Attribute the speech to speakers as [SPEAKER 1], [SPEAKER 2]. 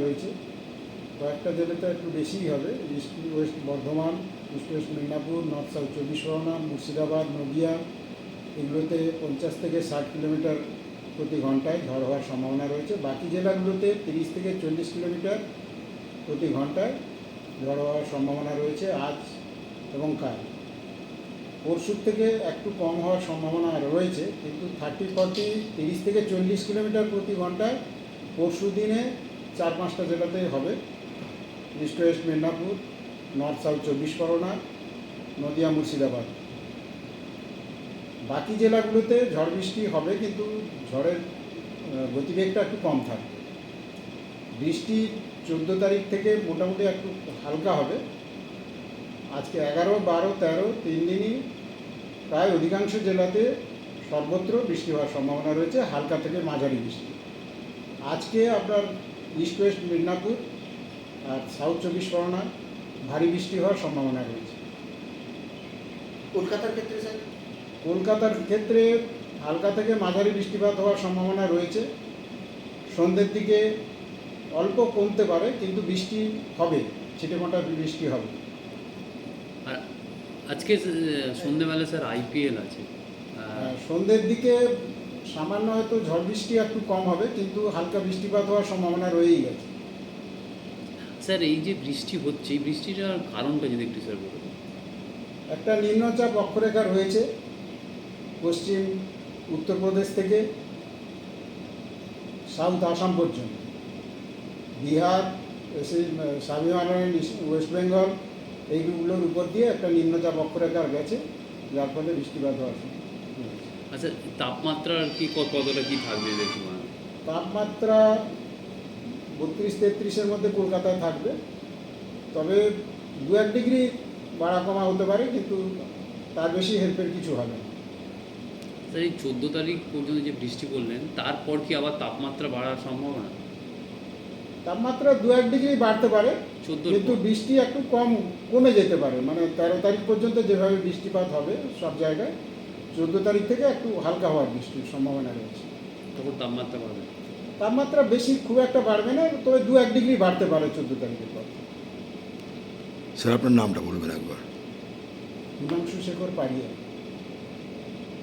[SPEAKER 1] রয়েছে। কয়েকটা জেলাতে একটু বেশিই হবে। East west Bardhaman, east west Medinipur, north south 24 Pargana, Murshidabad, Nadia, এগুলোতে 50 থেকে 60 কিলোমিটার প্রতি ঘন্টায় ঝড় হওয়ার সম্ভাবনা রয়েছে। বাকি জেলাগুলোতে 30 থেকে 40 কিলোমিটার প্রতি ঘন্টায় ঝড় হওয়ার সম্ভাবনা রয়েছে আজ এবং কাল। পরশুর থেকে একটু কম হওয়ার সম্ভাবনা রয়েছে, কিন্তু 30 থেকে 40 কিলোমিটার প্রতি ঘন্টায় পরশু দিনে 4-5টা জেলাতেই হবে। East west Medinipur, north south 24 Pargana, Nadia, Murshidabad. বাকি জেলাগুলোতে ঝড় বৃষ্টি হবে, কিন্তু ঝড়ের গতিবেগটা একটু কম থাকবে। বৃষ্টি 14 তারিখ থেকে মোটামুটি একটু হালকা হবে। আজকে 11, 12, 13 3 দিনই প্রায় অধিকাংশ জেলাতে সর্বত্র বৃষ্টি হওয়ার সম্ভাবনা রয়েছে, হালকা থেকে মাঝারি বৃষ্টি। আজকে আপনার ইস্ট ওয়েস্ট মেদিনীপুর আর সাউথ 24 পরগনা ভারী বৃষ্টি হওয়ার সম্ভাবনা রয়েছে।
[SPEAKER 2] কলকাতার ক্ষেত্রে স্যার?
[SPEAKER 1] কলকাতার ক্ষেত্রে হালকা থেকে মাঝারি বৃষ্টিপাত হওয়ার সম্ভাবনা রয়েছে। সন্ধ্যের দিকে অল্প কমতে পারে, কিন্তু বৃষ্টি হবে, ছিটেফোঁটা বৃষ্টি হবে।
[SPEAKER 3] আর আজকে সন্ধ্যেবেলা স্যার আইপিএল আছে।
[SPEAKER 1] সন্ধ্যের দিকে সামান্য হয়তো ঝড় বৃষ্টি একটু কম হবে, কিন্তু হালকা বৃষ্টিপাত হওয়ার সম্ভাবনা রয়েই গেছে।
[SPEAKER 3] স্যার এই যে বৃষ্টি হচ্ছে, এই বৃষ্টিটার কারণটা যদি একটু স্যার বলুন।
[SPEAKER 1] একটা নিম্নচাপ অক্ষরেখা রয়েছে পশ্চিম উত্তরপ্রদেশ থেকে সাউথ আসাম পর্যন্ত, বিহার, স্বাভিমান, ওয়েস্ট বেঙ্গল, এইগুলোর উপর দিয়ে একটা নিম্নচাপ অক্ষরেখা গেছে, যার ফলে বৃষ্টিপাত হওয়ার সম্ভাবনা।
[SPEAKER 3] আচ্ছা, তাপমাত্রার কি কতটা কি থাকবে দেখুন?
[SPEAKER 1] তাপমাত্রা 32-33-এর মধ্যে কলকাতায় থাকবে, তবে 2-1 ডিগ্রি বাড়া কমা হতে পারে, কিন্তু তার বেশি হেল্পের কিছু হবে না।
[SPEAKER 3] স্যার এই 14 তারিখ পর্যন্ত যে বৃষ্টি বললেন, তারপর কি আবার তাপমাত্রা বাড়ার সম্ভাবনা?
[SPEAKER 1] তাপমাত্রা 2-1 ডিগ্রি বাড়তে পারে, কিন্তু বৃষ্টি একটু কমে যেতে পারে। মানে 13 তারিখ পর্যন্ত যেভাবে বৃষ্টিপাত হবে সব জায়গায়, 14 তারিখ থেকে একটু হালকা হওয়ার বৃষ্টির সম্ভাবনা রয়েছে।
[SPEAKER 3] তখন তাপমাত্রা বাড়বে?
[SPEAKER 1] তাপমাত্রা বেশি খুব একটা বাড়বে না, তবে 2-1 ডিগ্রি বাড়তে পারে 14 তারিখের পর।
[SPEAKER 4] স্যার আপনার নামটা বলবেন একবার?
[SPEAKER 1] হিমাংশু শেখর পাড়িয়া।